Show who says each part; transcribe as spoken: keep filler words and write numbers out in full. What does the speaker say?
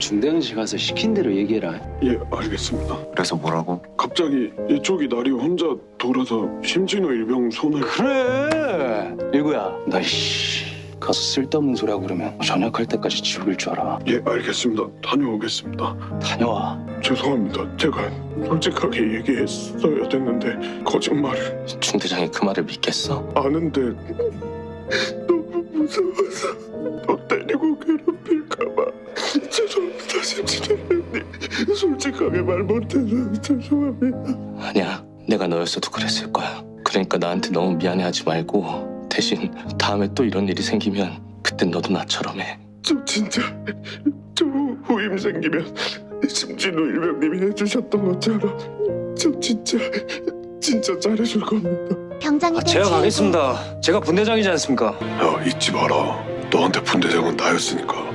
Speaker 1: 중대응실 가서 시킨 대로 얘기해라.
Speaker 2: 예, 알겠습니다.
Speaker 3: 그래서 뭐라고?
Speaker 2: 갑자기 이쪽이 날이 혼자 돌아서 심진호 일병 손을
Speaker 1: 그래. 일구야, 너 이씨 가서 쓸데없는 소리 하고 그러면 전역할 때까지 지옥일 줄 알아.
Speaker 2: 예, 알겠습니다. 다녀오겠습니다.
Speaker 1: 다녀와.
Speaker 2: 죄송합니다. 제가 솔직하게 얘기했어야 됐는데 거짓말을
Speaker 3: 중대장이 그 말을 믿겠어?
Speaker 2: 아는데 너무 무서워서 너 때리고 괴롭힐까봐. 죄송합니다, 심진호 일병님. 솔직하게 말 못해서 죄송합니다.
Speaker 3: 아니야, 내가 너였어도 그랬을 거야. 그러니까 나한테 너무 미안해하지 말고 대신 다음에 또 이런 일이 생기면 그땐 너도 나처럼 해.
Speaker 2: 저 진짜 저 후임 생기면 심진호 일병님이 해주셨던 것처럼 저 진짜 진짜 잘해줄 겁니다.
Speaker 4: 병장이
Speaker 5: 아,
Speaker 4: 된
Speaker 5: 제가
Speaker 4: 최일구.
Speaker 5: 가겠습니다. 제가 분대장이지 않습니까?
Speaker 2: 야, 잊지 마라. 너한테 분대장은 나였으니까.